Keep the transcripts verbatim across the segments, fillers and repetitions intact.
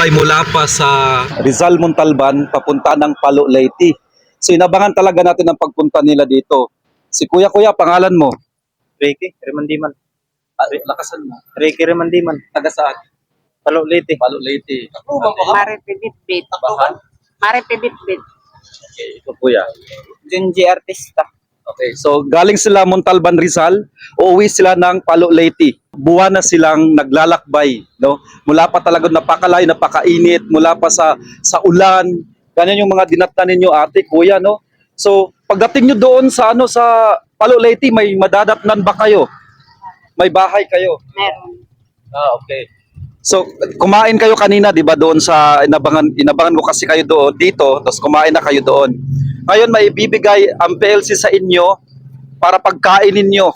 naglalakbay mula pa sa Rizal Montalban papunta ng Palo Leyte. So inabangan talaga natin ang pagpunta nila dito. Si Kuya Kuya, pangalan mo? Ricky Remandiman. Ah, lakasan mo. Ricky Remandiman. Taga saan? Palo Leyte. Palo Leyte. Mare Pibitbit. Mare Pibitbit. Okay, ito Kuya. Junji Artista. Okay, so galing sila Montalban, Rizal, uuwi sila ng Palo Leyte. Buwan na silang naglalakbay, no? Mula pa talaga napakalayo, napakainit, mula pa sa sa ulan. Ganyan yung mga dinatnan ninyo, ate, kuya, no? So, pagdating nyo doon sa ano sa Palo Leyte, may madadatnan ba kayo? May bahay kayo? Meron. Ah, okay. So, kumain kayo kanina, 'di ba, doon sa inabangan inabangan ko kasi kayo doon dito, tapos kumain na kayo doon. Ngayon may ibibigay ang P L C sa inyo para pagkainin niyo.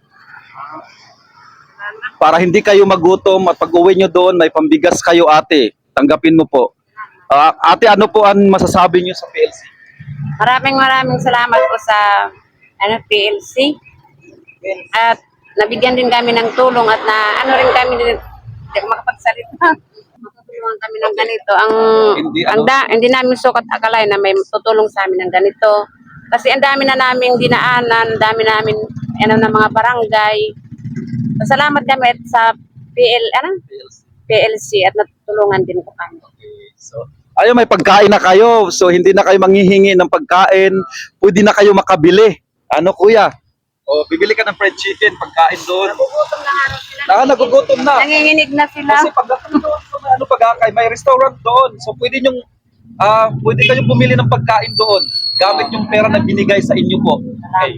Para hindi kayo magutom at pag-uwi niyo doon may pambigas kayo, ate. Tanggapin mo po. Ah, ate, ano po ang masasabi niyo sa P L C? Maraming maraming salamat po sa ano, P L C. At nabigyan din kami ng tulong at na ano rin kami din hindi ako makapagsalita. Matutulungan kami ng ganito. Ang Hindi, ang ano? da, hindi namin sukat akalain na may tutulong sa amin ng ganito. Kasi ang dami na naming dinaanan, ang dami namin ano ng mga barangay. Salamat kami at sa P L ano? P L C at natutulungan din po kami. So, ayo, may pagkain na kayo. So hindi na kayo manghihingi ng pagkain. Pwede na kayo makabili. Ano, kuya? O, bibili ka ng fried chicken, pagkain doon. Nagugutom na nga sila. Ah, nagugutom na. Nanginginig na sila. Kasi pagdating doon sa may ano pagkakay, may restaurant doon. So pwede nyong ah pwede kayong bumili ng pagkain doon gamit yung pera na binigay sa inyo po. Okay.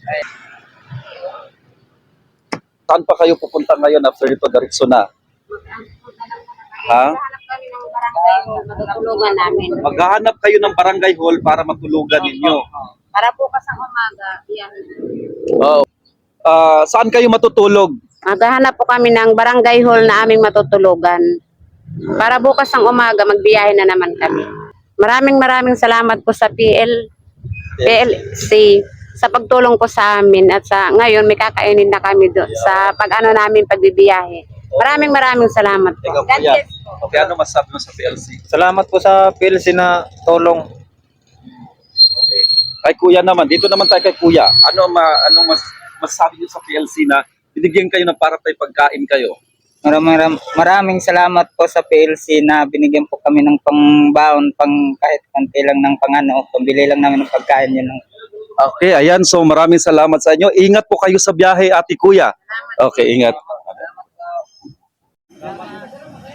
Saan pa kayo pupunta ngayon after ito, diretso na? Ha? Hanap kami ng barangay na matutulungan namin. Maghahanap kayo ng barangay hall para matulugan ninyo. Para bukas ang umaga, yan. Oh. Ah, saan kayo matutulog? Maghahanap po kami ng barangay hall na aming matutulugan. Para bukas ang umaga, magbiyahe na naman kami. Maraming maraming salamat po sa P L, P L C sa pagtulong po sa amin at sa ngayon may kakainin na kami do, sa pag-ano namin pagbibiyahe. Maraming maraming salamat po. Ikaw, God kuya. bless po. Okay, ano masabi mo sa P L C? Salamat po sa P L C na tulong. Okay. Kay kuya naman, dito naman tayo kay kuya. Ano ma anong mas masasabi niyo sa P L C na binigyan kayo ng para tayo pagkain kayo? Maraming, maram- maraming salamat po sa P L C na binigyan po kami ng pangbaon, pang kahit konti lang ng pangano, pambili lang namin ng pagkain yun. Okay, ayan. So maraming salamat sa inyo. Ingat po kayo sa biyahe, ate, kuya. Okay, ingat.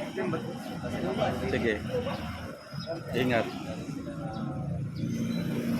Sige. Ingat.